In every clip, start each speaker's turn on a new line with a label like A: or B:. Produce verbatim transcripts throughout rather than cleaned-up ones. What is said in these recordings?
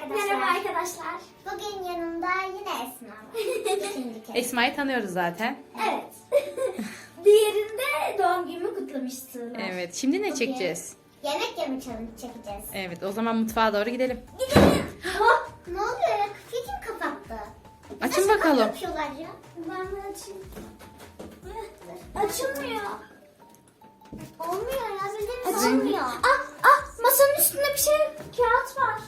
A: arkadaşlar.
B: Merhaba arkadaşlar.
A: Bugün yanımda yine Esma var. İkinci kez.
C: Esma'yı tanıyoruz zaten.
B: Evet. Diğerinde doğum günümü kutlamıştım.
C: Evet. Şimdi ne
A: Bugün
C: çekeceğiz?
A: Yemek yeme challenge çekeceğiz.
C: Evet. O zaman mutfağa doğru gidelim.
B: Gidelim.
A: Hop, ne oluyor ya? Kafayı kim kapattı?
C: Açın
A: Nasıl
C: bakalım.
A: yapıyorlar ya?
B: Ben de açayım. Açılmıyor.
A: Olmuyor ya. Bizim
B: Açılmıyor.
A: olmuyor.
B: Ah ah masanın üstünde bir şey kağıt var.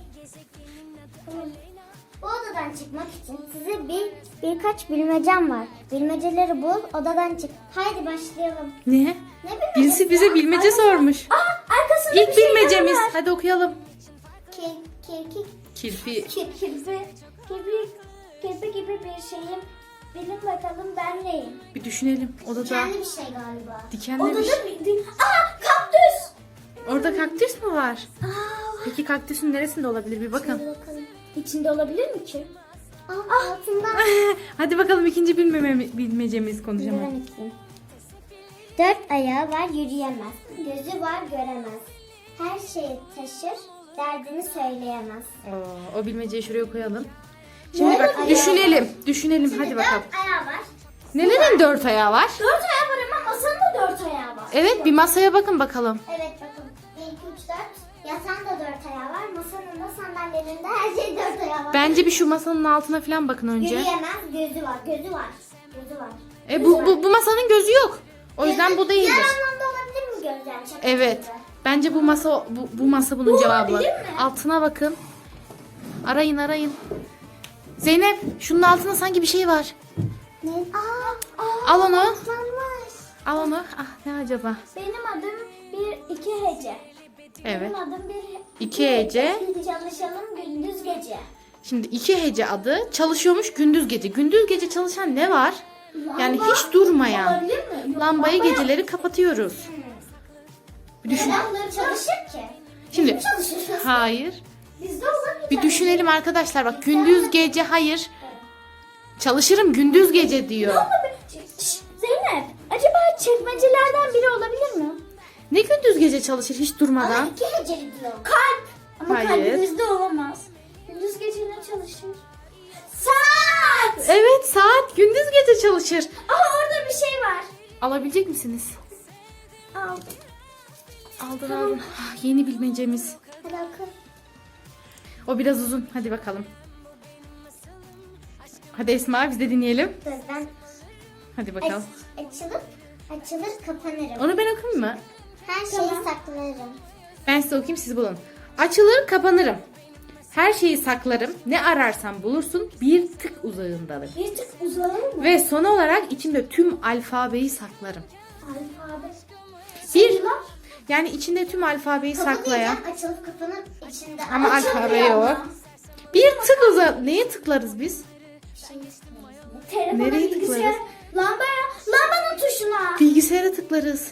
A: Bu odadan çıkmak için size bir birkaç bilmecem var. Bilmeceleri bul, odadan çık. Haydi başlayalım.
C: Ne?
A: Ne bilmecesi?
C: Birisi bize bilmece sormuş.
B: Ah arkasında
C: İlk
B: bir şeyler
C: bilmecemiz.
B: var.
C: Hadi okuyalım.
A: Kek, kek,
C: Kirpi.
B: Kirpi, kirpi, kirpi gibi bir şeyim. Bilin bakalım ben neyim?
C: Bir düşünelim. Odada
A: kendi bir şey galiba.
C: dikenli
B: Odada
C: bir şey.
B: bir... bir- Aa kaktüs!
C: Orada kaktüs mü var?
B: Aa,
C: Peki kaktüsün neresinde olabilir bir bakın.
A: Hadi bakalım.
B: içinde olabilir mi ki?
A: Aa, altından.
C: Hadi bakalım ikinci bilmeme, bilmecemiz konuşalım.
A: Ben ikiyim. Dört ayağı var yürüyemez. Gözü var göremez. Her şeyi taşır, derdini söyleyemez.
C: Oo, o bilmeceyi şuraya koyalım. Şimdi
A: Dört
C: bak
A: ayağı
C: düşünelim. Düşünelim
A: Şimdi
C: hadi bakalım.
A: dört ayağı var.
C: Nelerin dört ayağı var?
B: Dört ayağı var ama masanın da dört ayağı var.
C: Evet bir masaya bakın bakalım.
A: Evet bakın. Bir, iki, üç, dört. Yatağın da dört ayağı var. Masanın da sandalyenin de her şey dört ayağı var.
C: Bence bir şu masanın altına falan bakın önce.
A: Yürüyemez, gözü var. Gözü var. Gözü var.
C: E bu, bu, bu masanın gözü yok. O yüzden
A: Gözü-
C: bu değildir.
A: Diğer anlamda olabilir mi göz yani? Şaka
C: Evet.
A: gibi.
C: Bence bu masa bu, bu masa bunun
B: Bu
C: cevabı.
B: olabilir mi?
C: Altına bakın. Arayın arayın. Zeynep şunun altında sanki bir şey var.
A: Ne? Aa, aa,
C: Al onu.
A: Islanmış.
C: Al onu. Ah ne acaba?
B: Benim adım bir iki hece.
C: Evet.
B: Benim adım bir
C: İki hece.
B: Çalışalım gündüz gece.
C: Şimdi iki hece adı çalışıyormuş gündüz gece. Gündüz gece çalışan ne var? Yani
B: Lamba
C: hiç durmayan.
B: olabilir mi? Yok,
C: Lambayı
B: lamba-
C: geceleri kapatıyoruz. Bir düşün.
A: Neden bunları çalışır ki?
C: Şimdi
A: Çalışırız.
C: hayır.
B: Bizde olamayacak.
C: Bir düşünelim arkadaşlar. Bak gündüz gece hayır. Çalışırım gündüz gece diyor.
B: Şşş, Zeynep, acaba çekmecelerden biri olabilir mi?
C: Ne gündüz gece çalışır hiç
A: Ama
C: durmadan?
A: iki heceli diyor.
B: Kalp. Ama
C: Hayır.
B: kalp bizde olamaz. Gündüz gece ne çalışır? Saat.
C: Evet saat gündüz gece çalışır.
B: Aha orada bir şey var.
C: Alabilecek misiniz?
B: Al.
C: Aldın aldın. Ah, yeni bilmecemiz.
A: Hadi oku.
C: O biraz uzun. Hadi bakalım. Hadi Esma biz de dinleyelim.
A: Dur ben
C: Hadi bakalım.
A: aç, açılıp açılır kapanırım.
C: Onu ben okuyayım mı?
A: Her şeyi saklarım.
C: Ben size okuyayım siz bulun. Açılır kapanırım. Her şeyi saklarım. Ne ararsan bulursun. Bir tık uzağındadır.
B: Bir tık uzanır mı?
C: Ve son olarak içimde tüm alfabeyi saklarım.
B: Alfabe.
C: Bir,
B: Sayılar.
C: yani içinde tüm alfabeyi
A: Kapı
C: saklayan.
A: diyeceğim, açılıp kapanıp içinde
C: Ama
A: açılıyor
C: alfabe
A: ama.
C: yok. Bir tık uza. Neye tıklarız biz?
A: Şey,
B: Telefona,
C: Nereye
B: bilgisayar,
C: tıklarız?
B: lambaya, lambanın tuşuna.
C: Bilgisayara tıklarız.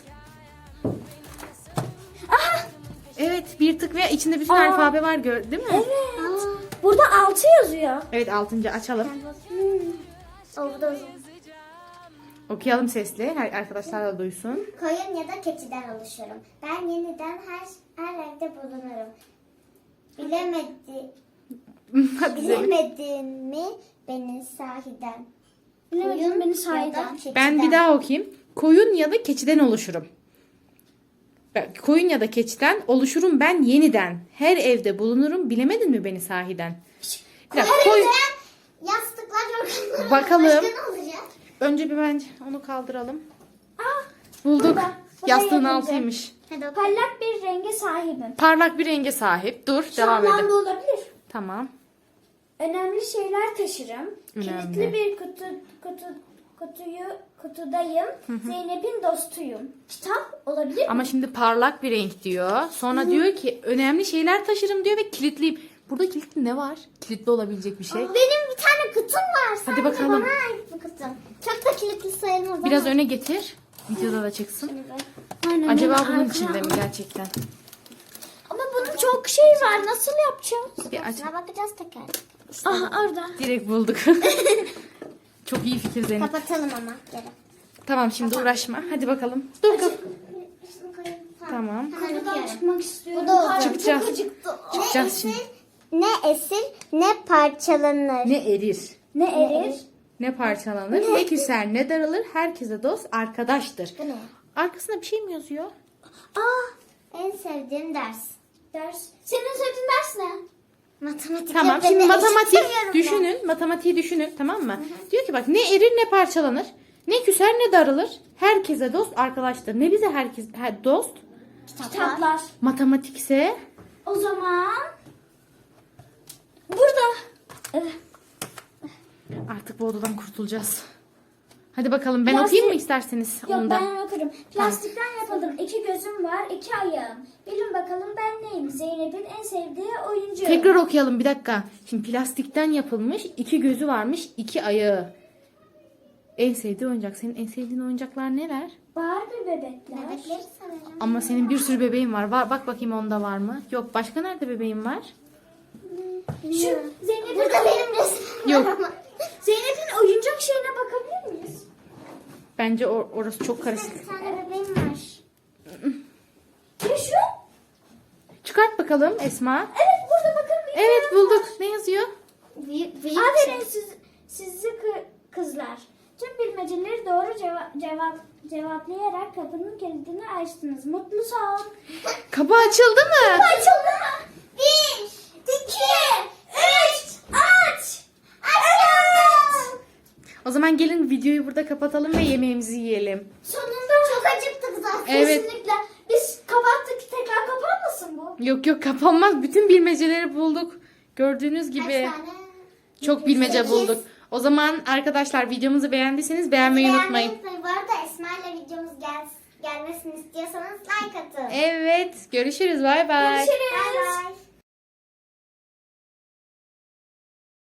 B: Aha.
C: Evet bir tık ve içinde bütün
B: Aa.
C: alfabe var gör, değil mi?
B: Evet. Burada altı yazıyor.
C: Evet altıncı açalım.
A: O bu da uzun.
C: Okuyalım sesli. Her arkadaşlar da duysun.
A: Koyun ya da keçiden oluşurum. Ben yeniden her her evde bulunurum. Bilemedi,
C: Hadi Zeynep.
A: bilemedin mi beni sahiden?
B: Bilemedin
A: Koyun
B: beni
A: ya
B: sahiden.
A: da keçiden.
C: Ben bir daha okuyayım. Koyun ya da keçiden oluşurum. Ben- Koyun ya da keçiden oluşurum ben yeniden. Her evde bulunurum. Bilemedin mi beni sahiden? Bir dakika,
A: Her
C: koyun-
A: evde yastıklar yorganlar.
C: Bakalım.
A: Başka ne olacak?
C: Önce bir bence onu kaldıralım.
B: Ah,
C: Bulduk.
B: burada. Burada
C: Yastığın
B: yazınca.
C: altıymış.
A: Hadi oku.
B: Parlak bir renge sahibim.
C: Parlak bir renge sahip. Dur
B: Şu
C: devam edelim.
B: anlamda olabilir.
C: Tamam.
B: Önemli şeyler taşırım.
C: Önemli.
B: Kilitli bir kutu, kutu, kutuyu, kutudayım. Zeynep'in dostuyum. Kitap olabilir mi?
C: Ama şimdi parlak bir renk diyor. Sonra diyor ki önemli şeyler taşırım diyor ve kilitliyim. Burada kilitli ne var? Kilitli olabilecek bir şey.
A: Benim bir tane kutum var. Sanki
C: bakalım.
A: bana ait bu kutum. Çok da kilitli sayılmaz.
C: Biraz
A: ama.
C: öne getir. Videoda da çıksın.
A: Şimdi böyle.
B: Aynen,
C: Acaba
B: benim
C: bunun
B: arkam-
C: içinde mi gerçekten?
B: Ama bunun çok şey var. Nasıl yapacağız?
C: Bir aç.
A: Şuna bakacağız teker.
B: Aha orada.
C: Direkt bulduk. Çok iyi fikir Zeynep.
A: Kapatalım ama. Gel.
C: Tamam şimdi uğraşma. Hadi bakalım. Dur kız.
A: Şunu koyayım.
C: Tamam.
A: Hemen
B: Kutudan
A: okuyorum.
B: çıkmak istiyorum.
A: Bu da oldu.
B: Karnım
C: Çıkacağız.
B: Çok acıktı.
C: Çıkacağız
A: Neyse,
C: şimdi.
A: ne esir ne parçalanır.
C: Ne erir,
B: Ne erir?
C: ne parçalanır, ne küser, ne daralır. Herkese dost arkadaştır.
A: Bu ne?
C: Arkasında bir şey mi yazıyor?
A: Aa, en sevdiğim ders.
B: Ders. Senin söylediğin ders ne?
A: Matematik.
C: Tamam,
A: öğretmeni
C: şimdi matematik
A: istemiyorum ben.
C: düşünün. Matematiği düşünün, tamam mı? Diyor ki bak, ne erir ne parçalanır, ne küser ne daralır. Herkese dost arkadaştır. Ne bize herkes her, dost?
B: Kitaplar.
C: Matematikse
B: O zaman burada. Evet.
C: artık bu odadan kurtulacağız. Hadi bakalım, ben
B: Plastik-
C: okuyayım mı isterseniz
B: Yok
C: onu da?
B: ben okurum. Plastikten yapıldım. İki gözüm var, iki ayağım. Bilin bakalım ben neyim? Zeynep'in en sevdiği oyuncu.
C: Tekrar okuyalım bir dakika. Şimdi plastikten yapılmış, iki gözü varmış, iki ayağı. En sevdiği oyuncak. Senin en sevdiğin oyuncaklar neler?
B: Barbie bebekler.
A: Bebekleri sanırım.
C: Ama senin bir sürü bebeğin var. Var, bak bakayım onda var mı? Yok, başka nerede bebeğin var?
B: Şu Zeynep'in,
A: Burada benim resmim
C: Yok.
A: var ama.
B: Zeynep'in oyuncak şeyine bakabilir miyiz?
C: Bence or- orası çok karışık.
A: Bir tane bebeğim var.
B: Ya şu?
C: Çıkart bakalım Esma.
B: Evet burada bakın. bir
C: Evet,
B: tane
C: bulduk.
B: var.
C: Ne yazıyor?
A: Büyük, büyük
B: Aferin siz, sizi kı- kızlar. Tüm bilmeceleri doğru ceva- cevap cevaplayarak kapının kilidini açtınız. Mutlu son.
C: Kapı açıldı mı?
B: Açıldı. Bir, iki, üç, aç. Açıldı.
C: O zaman gelin videoyu burada kapatalım ve yemeğimizi yiyelim.
B: Sonunda
A: Çok acıktık zaten.
C: Evet.
B: kesinlikle. Biz kapattık, tekrar kapanmasın bu?
C: Yok yok, kapanmaz. Bütün bilmeceleri bulduk. Gördüğünüz gibi
A: Kaç tane?
C: çok bilmece
A: Sekiz.
C: bulduk. O zaman arkadaşlar, videomuzu beğendiyseniz beğenmeyi unutmayın.
A: Bu arada Esma ile videomuz gel gelmesini istiyorsanız like atın.
C: Evet, görüşürüz. Bay bay.
B: Görüşürüz.
A: Bay bay.